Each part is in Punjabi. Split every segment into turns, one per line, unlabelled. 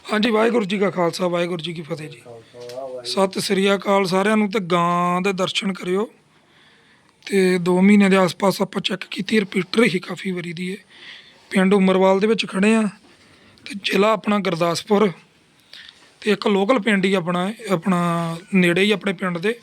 ਹਾਂਜੀ, ਵਾਹਿਗੁਰੂ ਜੀ ਕਾ ਖਾਲਸਾ ਵਾਹਿਗੁਰੂ ਜੀ ਕੀ ਫਤਿਹ ਜੀ। ਸਤਿ ਸ੍ਰੀ ਅਕਾਲ ਸਾਰਿਆਂ ਨੂੰ। ਤੇ ਗਾਂ ਦੇ ਦਰਸ਼ਨ ਕਰਿਓ। ਤੇ 2 ਮਹੀਨੇ ਦੇ ਆਸ-ਪਾਸ ਆਪਾਂ ਚੈੱਕ ਕੀਤੀ, ਰਿਪੀਟਰ ਹੀ ਕਾਫੀ ਵਾਰੀ ਦੀ ਹੈ। ਪਿੰਡ ਉਮਰਵਾਲ ਦੇ ਵਿੱਚ ਖੜੇ ਆ ਤੇ ਜ਼ਿਲ੍ਹਾ ਆਪਣਾ ਗੁਰਦਾਸਪੁਰ, ਤੇ ਇੱਕ ਲੋਕਲ ਪਿੰਡ ਹੀ ਆਪਣਾ ਨੇੜੇ ਹੀ ਆਪਣੇ ਪਿੰਡ ਦੇ।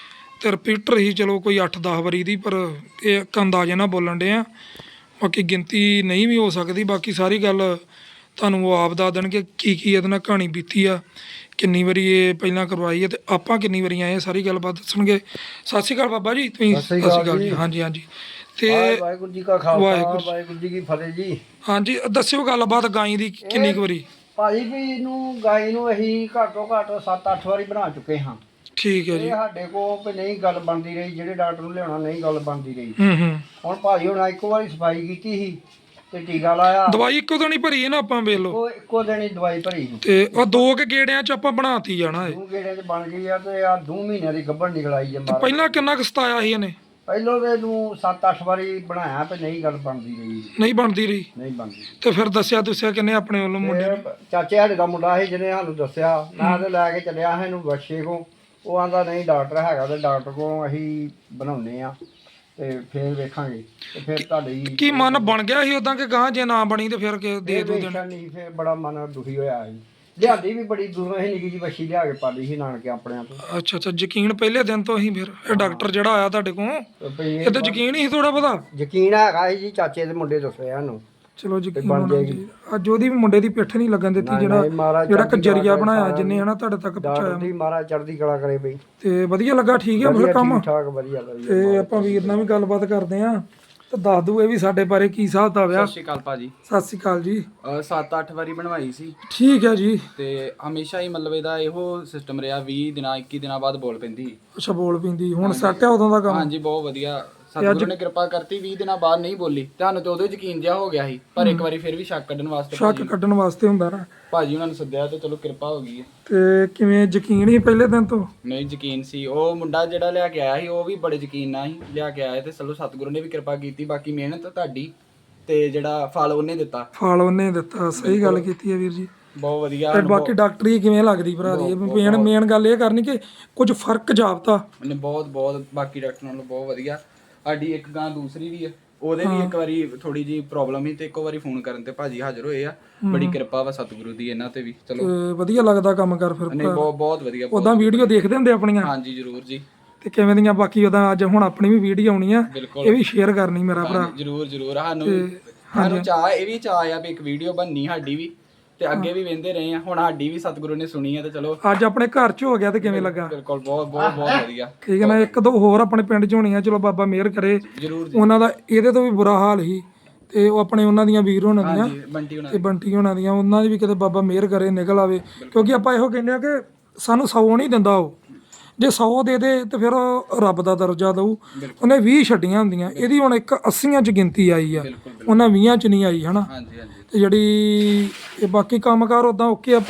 ਤੇ ਰਿਪੀਟਰ ਹੀ ਚਲੋ ਕੋਈ 8-10 ਵਾਰੀ ਦੀ, ਪਰ ਇਹ ਇੱਕ ਅੰਦਾਜ਼ੇ ਨਾਲ ਬੋਲਣ ਡੇ ਆ, ਬਾਕੀ ਗਿਣਤੀ ਨਹੀਂ ਵੀ ਹੋ ਸਕਦੀ। ਬਾਕੀ ਸਾਰੀ ਗੱਲ ਤੁਹਾਨੂੰ ਉਹ ਆਪ ਦੱਸ ਦੇਣਗੇ ਕੀ ਇਹਦੇ ਨਾਲ ਕਹਾਣੀ ਬੀਤੀ ਆ, ਕਿੰਨੀ ਵਾਰੀ ਇਹ ਪਹਿਲਾਂ ਕਰਵਾਈ ਹੈ ਤੇ ਆਪਾਂ ਕਿੰਨੀ ਵਾਰੀ ਆਏ, ਸਾਰੀ ਗੱਲਬਾਤ ਦੱਸਣਗੇ। ਸਤਿ ਸ਼੍ਰੀ ਅਕਾਲ ਬਾਬਾ ਜੀ। ਤੁਸੀਂ ਸਤਿ ਸ਼੍ਰੀ ਅਕਾਲ ਜੀ। ਹਾਂਜੀ ਹਾਂਜੀ। ਤੇ
ਵਾਹਿਗੁਰੂ ਜੀ ਕਾ ਖਾਲਸਾ ਵਾਹਿਗੁਰੂ ਜੀ ਕੀ ਫਤਿਹ ਜੀ।
ਹਾਂਜੀ, ਦੱਸਿਓ ਗੱਲਬਾਤ ਗਾਈ ਦੀ ਕਿੰਨੀ ਕੁ ਵਾਰੀ।
ਭਾਜੀ ਵੀ ਇਹਨੂੰ ਗਾਈ ਨੂੰ ਅਸੀਂ ਘੱਟੋ ਘੱਟ 7-8 ਵਾਰੀ ਬਣਾ ਚੁੱਕੇ ਹਾਂ।
ਠੀਕ ਹੈ ਜੀ।
ਇਹ ਸਾਡੇ ਕੋਲ ਵੀ ਨਹੀਂ ਗੱਲ ਬਣਦੀ ਰਹੀ, ਜਿਹੜੇ ਡਾਕਟਰ ਨੂੰ ਲਿਆਉਣਾ ਨਹੀਂ ਗੱਲ ਬਣਦੀ ਰਹੀ। ਹੁਣ ਭਾਜੀ ਹੁਣ ਇੱਕੋ ਵਾਰੀ ਸਫਾਈ ਕੀਤੀ ਸੀ ਤੇ ਟੀਕਾ ਲਾਇਆ।
ਦਵਾਈ ਇੱਕੋ ਦਿਨ ਹੀ ਭਰੀ ਹੈ ਨਾ ਆਪਾਂ, ਵੇਖ ਲਓ।
ਇੱਕੋ ਦਿਨ ਹੀ ਦਵਾਈ ਭਰੀ ਸੀ
ਤੇ ਉਹ 2 ਕੇ ਗੇੜਿਆਂ ਚ ਆਪਾਂ ਬਣਾਤੀ ਜਾਣਾ।
2 ਗੇੜਿਆਂ ਚ ਬਣ ਗਈ ਆ ਤੇ ਆ 2 ਮਹੀਨਿਆਂ ਦੀ ਗੱਭਣ ਨਿਕਲ ਆਈ ਹੈ।
ਪਹਿਲਾਂ ਕਿੰਨਾ ਕੁ ਸਤਾਇਆ ਸੀ ਇਹਨੇ?
ਪਹਿਲੋਂ ਤੇ ਇਹਨੂੰ 7-8 ਵਾਰੀ ਬਣਾਇਆ ਤੇ ਨਹੀਂ ਗੱਲ ਬਣਦੀ ਰਹੀ।
ਨਹੀਂ ਬਣਦੀ ਰਹੀ?
ਨਹੀਂ ਬਣਦੀ।
ਤੇ ਫਿਰ ਦੱਸਿਆ ਕਿੰਨੇ ਆਪਣੇ ਵੱਲੋਂ ਮੁੰਡੇ ਨੂੰ?
ਚਾਚੇ ਸਾਡੇ ਦਾ ਮੁੰਡਾ ਸੀ ਜਿਹਨੇ ਸਾਨੂੰ ਦੱਸਿਆ। ਮੈਂ ਤੇ ਲੈ ਕੇ ਚੱਲਿਆ ਹਾਂ ਇਹਨੂੰ ਬਖਸ਼ੇ ਕੋ। ਉਹ ਆਂਦਾ ਨਹੀਂ ਡਾਕਟਰ ਹੈਗਾ ਤੇ ਡਾਕਟਰ ਕੋਲ ਅਸੀਂ ਬਣਾਉਂਦੇ ਆ ਤੇ ਫਿਰ ਵੇਖਾਂਗੇ। ਤੇ ਫਿਰ ਤੁਹਾਡੀ
ਕੀ ਮਨ ਬਣ ਗਿਆ ਸੀ ਉਦਾਂ ਕਿ ਗਾਂ ਜੇ ਨਾ ਬਣੀ ਤੇ ਫਿਰ ਦੇ ਦੋ ਦੇਣ?
ਨਹੀਂ, ਫਿਰ ਬੜਾ ਮਨ ਦੁਖੀ ਹੋਇਆ ਸੀ। ਲਿਆਂਦੀ ਵੀ ਬੜੀ ਦੂਰੋਂ ਹੀ ਨਿੱਕੀ ਜਿਹੀ ਵੱਛੀ ਲਿਆ ਕੇ ਪਾਲੀ ਸੀ ਨਾਨਕੇ ਆਪਣਿਆਂ ਤੋਂ।
ਅੱਛਾ, ਯਕੀਨ ਪਹਿਲੇ ਦਿਨ ਤੋਂ ਹੀ ਫਿਰ ਇਹ ਡਾਕਟਰ ਜਿਹੜਾ ਆਇਆ ਤੁਹਾਡੇ ਕੋਲ, ਇਹ ਤਾਂ ਯਕੀਨ ਹੀ ਥੋੜਾ ਬਹੁਤਾ?
ਯਕੀਨ ਹੈਗਾ ਜੀ, ਚਾਚੇ ਦੇ ਮੁੰਡੇ ਦੱਸਿਆ ਸਾਨੂੰ।
ਚਲੋ ਯਕੀਨ ਹੋਣਾ ਚਾਹੀਦਾ। ਅੱਜ ਉਹਦੀ ਵੀ ਮੁੰਡੇ ਦੀ ਪਿੱਠ ਨਹੀਂ ਲੱਗਣ ਦਿੱਤੀ, ਜਿਹੜਾ ਕਜਰੀਆ ਬਣਾਇਆ ਜਿੰਨੇ ਹਨਾ ਤੁਹਾਡੇ ਤੱਕ ਪਹੁੰਚਾਇਆ।
ਮਹਾਰਾਜ ਚੜ੍ਹਦੀ ਕਲਾ ਕਰੇ ਬਈ।
ਤੇ ਵਧੀਆ ਲੱਗਾ? ਠੀਕ ਹੈ ਫਿਰ ਕੰਮ?
ਠੀਕ ਠਾਕ, ਵਧੀਆ।
ਤੇ ਆਪਾਂ ਵੀਰ ਨਾਲ ਵੀ ਗੱਲਬਾਤ ਕਰਦੇ ਆ ਤੇ ਦੱਸ ਦੂ ਇਹ ਵੀ ਸਾਡੇ ਬਾਰੇ ਕੀ ਹਿਸਾਬ ਦਾ ਵਿਆਹ।
ਸਤਿ ਸ਼੍ਰੀ ਅਕਾਲ ਭਾਜੀ।
ਸਤਿ ਸ਼੍ਰੀ ਅਕਾਲ ਜੀ।
7-8 ਵਾਰੀ ਬਣਵਾਈ ਸੀ।
ਠੀਕ ਹੈ ਜੀ।
ਤੇ ਹਮੇਸ਼ਾ ਹੀ ਮਤਲਬ ਇਹਦਾ ਇਹੋ ਸਿਸਟਮ ਰਿਹਾ, 20 ਦਿਨਾਂ 21 ਦਿਨਾਂ ਬਾਅਦ ਬੋਲ ਪੈਂਦੀ।
ਅੱਛਾ, ਬੋਲ ਪੈਂਦੀ। ਹੁਣ ਸੈੱਟ ਹੈ ਉਦੋਂ ਦਾ ਕੰਮ?
ਹਾਂਜੀ, ਬਹੁਤ ਵਧੀਆ। ਸਤਿਗੁਰੂ ਨੇ ਕਿਰਪਾ ਕਰਤੀ, 20 ਦਿਨਾਂ ਬਾਅਦ ਨਹੀਂ ਬੋਲੀ। ਤੁਹਾਨੂੰ ਤੇ ਉਦੋਂ ਯਕੀਨ ਜਿਹਾ ਹੋ ਗਿਆ ਸੀ, ਪਰ ਇੱਕ ਵਾਰੀ ਫਿਰ ਵੀ ਸ਼ੱਕ ਕੱਢਣ ਵਾਸਤੇ
ਹੁੰਦਾ ਨਾ
ਭਾਜੀ ਉਹਨਾਂ ਨੂੰ ਸੱਦਿਆ ਤੇ ਚਲੋ ਕਿਰਪਾ ਹੋ ਗਈ ਹੈ।
ਤੇ ਕਿਵੇਂ ਯਕੀਨ ਹੀ ਪਹਿਲੇ ਦਿਨ ਤੋਂ?
ਨਹੀਂ, ਯਕੀਨ ਸੀ। ਉਹ ਮੁੰਡਾ ਜਿਹੜਾ ਲਿਆ ਕੇ ਆਇਆ ਸੀ ਉਹ ਵੀ ਬੜੇ ਯਕੀਨ ਨਾਲ ਹੀ ਲਿਆ ਕੇ ਆਇਆ ਤੇ ਚਲੋ ਸਤਿਗੁਰੂ ਨੇ ਵੀ ਕਿਰਪਾ ਕੀਤੀ। ਬਾਕੀ ਮਿਹਨਤ ਤੁਹਾਡੀ ਤੇ ਜਿਹੜਾ ਫਲ ਉਹਨੇ ਦਿੱਤਾ। ਸਹੀ ਗੱਲ ਕੀਤੀ ਹੈ ਵੀਰ ਜੀ, ਬਹੁਤ ਵਧੀਆ। ਤੇ ਬਾਕੀ ਡਾਕਟਰੀ ਕਿਵੇਂ ਲੱਗਦੀ ਭਰਾ ਦੀ? ਮੇਨ ਗੱਲ ਇਹ ਕਰਨੀ ਕਿ ਕੁਝ ਫਰਕ ਜਾਪਦਾ ਉਹਨੇ ਬਹੁਤ ਬਾਕੀ ਡਾਕਟਰਾਂ ਨਾਲੋਂ ਬਹੁਤ ਵਧੀਆ। ਸਾਡੀ ਇੱਕ ਗਾਂ ਦੂਸਰੀ ਵੀ ਆ, ਉਹਦੇ ਵੀ ਇੱਕ ਵਾਰੀ ਥੋੜੀ ਜੀ ਪ੍ਰੋਬਲਮ ਸੀ ਤੇ ਇੱਕੋ ਵਾਰੀ ਫੋਨ ਕਰਨ ਤੇ ਭਾਜੀ ਹਾਜ਼ਰ ਹੋਏ ਆ। ਬੜੀ ਕਿਰਪਾ ਵਾ ਸਤਿਗੁਰੂ ਦੀ ਇਹਨਾਂ ਤੇ ਵੀ। ਚਲੋ ਵਧੀਆ ਲੱਗਦਾ ਕੰਮ ਕਰ ਫਿਰ? ਨਹੀਂ, ਬਹੁਤ ਵਧੀਆ। ਉਦਾਂ ਵੀਡੀਓ ਦੇਖਦੇ ਹੁੰਦੇ ਆਪਣੀਆਂ? ਹਾਂਜੀ, ਜ਼ਰੂਰ ਜੀ। ਤੇ ਕਿਵੇਂ ਦੀਆਂ ਬਾਕੀ ਉਹਦਾ ਅੱਜ ਹੁਣ ਆਪਣੀ ਵੀ ਵੀਡੀਓ ਆਉਣੀ ਆ, ਇਹ ਵੀ ਸ਼ੇਅਰ ਕਰਨੀ ਮੇਰਾ ਭਰਾ। ਜ਼ਰੂਰ। ਸਾਨੂੰ ਚਾਹ ਇਹ ਵੀ ਚਾਹ ਆ ਵੀ ਇੱਕ ਵੀਡੀਓ ਬਣਨੀ ਸਾਡੀ ਵੀ, ਤੇ ਅੱਗੇ ਵੀ ਵੇਂਦੇ ਰਹੇ ਆ। ਹੁਣ ਸਾਡੀ ਵੀ ਸਤਿਗੁਰੂ ਨੇ ਸੁਣੀ ਆ ਤੇ ਚਲੋ ਅੱਜ ਆਪਣੇ ਘਰ ਚ ਹੋ ਗਿਆ ਤੇ ਕਿਵੇਂ ਲੱਗਾ? ਬਿਲਕੁਲ, ਬਹੁਤ ਵਧੀਆ। ਠੀਕ ਹੈ ਨਾ। 1-2 ਹੋਰ ਆਪਣੇ ਪਿੰਡ ਚ ਹੋਣੀਆਂ, ਚਲੋ ਬਾਬਾ ਮਿਹਰ ਕਰੇ। ਉਹਨਾਂ ਦਾ ਇਹਦੇ ਤੋਂ ਵੀ ਬੁਰਾ ਹਾਲ ਸੀ ਤੇ ਉਹ ਆਪਣੇ ਉਹਨਾਂ ਦੀਆਂ ਵੀਰ ਹੋਣਾ ਦੀਆਂ ਤੇ ਬੰਟੀ ਹੋਣਾ ਦੀਆਂ, ਉਹਨਾਂ ਦੀ ਵੀ ਕਿਤੇ ਬਾਬਾ ਮਿਹਰ ਕਰੇ ਨਿਕਲ ਆਵੇ। ਕਿਉਂਕਿ ਆਪਾਂ ਇਹੋ ਕਹਿੰਦੇ ਆ ਕਿ ਸਾਨੂੰ 100 ਨਹੀਂ ਦਿੰਦਾ ਉਹ, ਜੇ 100 ਦੇ ਦੇ ਤੇ ਫਿਰ ਉਹ ਰੱਬ ਦਾ ਦਰਜਾ ਦਊ। ਉਹਨੇ 20 ਛੱਡੀਆਂ ਹੁੰਦੀਆਂ, ਇਹਦੀ ਹੁਣ ਇੱਕ 80 ਚ ਗਿਣਤੀ ਆਈ ਆ, ਉਹਨਾਂ 20 ਚ ਨਹੀਂ ਆਈ ਹਨਾ। ਤੇ ਜਿਹੜੀ ਇਹ ਬਾਕੀ ਕੰਮਕਾਰ ਉਦਾਂ ਓਕੇ ਆ।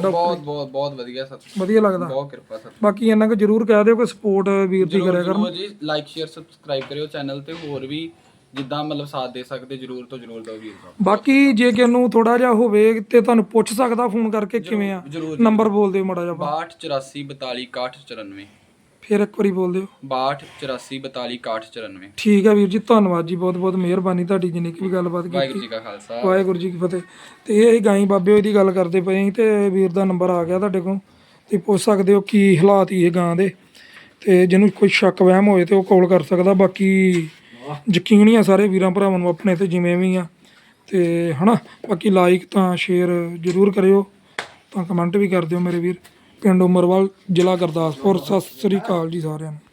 ਬਹੁਤ ਵਧੀਆ ਲੱਗਦਾ, ਬਹੁਤ ਕਿਰਪਾ ਸਰ। ਬਾਕੀ ਇਹਨਾਂ ਕੋ ਜ਼ਰੂਰ ਕਹਿ ਦਿਓ ਕਿ ਸਪੋਰਟ ਵੀਰ ਦੀ ਕਰਿਆ ਕਰਨ ਜੀ। ਲਾਈਕ ਸ਼ੇਅਰ ਸਬਸਕ੍ਰਾਈਬ ਕਰਿਓ ਚੈਨਲ ਤੇ, ਹੋਰ ਵੀ ਜਿੱਦਾਂ ਮਤਲਬ ਸਾਥ ਦੇ ਸਕਦੇ ਜ਼ਰੂਰ ਤੋਂ ਜ਼ਰੂਰ ਦਿਓ ਵੀਰ। ਬਾਕੀ ਜੇ ਕਿਸੇ ਨੂੰ ਥੋੜਾ ਜਿਹਾ ਹੋਵੇ ਤੇ ਤੁਹਾਨੂੰ ਪੁੱਛ ਸਕਦਾ ਫੋਨ ਕਰਕੇ ਕਿਵੇਂ ਆ? ਨੰਬਰ ਬੋਲ ਦਿਓ ਮਾੜਾ ਜਿਹਾ। 6284 42 61 94। ਫਿਰ ਇੱਕ ਵਾਰੀ ਬੋਲ ਦਿਓ। 6284 42 61 94। ਠੀਕ ਹੈ ਵੀਰ ਜੀ, ਧੰਨਵਾਦ ਜੀ, ਬਹੁਤ ਬਹੁਤ ਮਿਹਰਬਾਨੀ ਤੁਹਾਡੀ ਜਿੰਨੀ ਵੀ ਗੱਲਬਾਤ ਕੀਤੀ। ਵਾਹਿਗੁਰੂ ਜੀ ਕਾ ਖਾਲਸਾ ਵਾਹਿਗੁਰੂ ਜੀ ਕੀ ਫਤਿਹ। ਤੇ ਇਹ ਗਾਈ ਬਾਬੇ ਦੀ ਗੱਲ ਕਰਦੇ ਪਏ ਤੇ ਵੀਰ ਦਾ ਨੰਬਰ ਆ ਗਿਆ ਤੁਹਾਡੇ ਕੋਲ, ਤੇ ਪੁੱਛ ਸਕਦੇ ਹੋ ਕੀ ਹਾਲਾਤ ਹੀ ਇਹ ਗਾਂ ਦੇ। ਤੇ ਜਿਹਨੂੰ ਕੋਈ ਸ਼ੱਕ ਵਹਿਮ ਹੋਏ ਤੇ ਉਹ ਕਾਲ ਕਰ ਸਕਦਾ। ਬਾਕੀ ਯਕੀਨ ਹੀ ਆ ਸਾਰੇ ਵੀਰਾਂ ਭਰਾਵਾਂ ਨੂੰ ਆਪਣੇ ਤੇ ਜਿਵੇਂ ਵੀ ਆ ਤੇ ਹਨਾ। ਬਾਕੀ ਲਾਈਕ ਤਾਂ ਸ਼ੇਅਰ ਜ਼ਰੂਰ ਕਰਿਓ, ਤਾਂ ਕਮੈਂਟ ਵੀ ਕਰ ਦਿਓ ਮੇਰੇ ਵੀਰ। ਪਿੰਡ ਉਮਰਵਾਲ, ਜ਼ਿਲ੍ਹਾ ਗੁਰਦਾਸਪੁਰ। ਸਤਿ ਸ੍ਰੀ ਅਕਾਲ ਜੀ ਸਾਰਿਆਂ ਨੂੰ।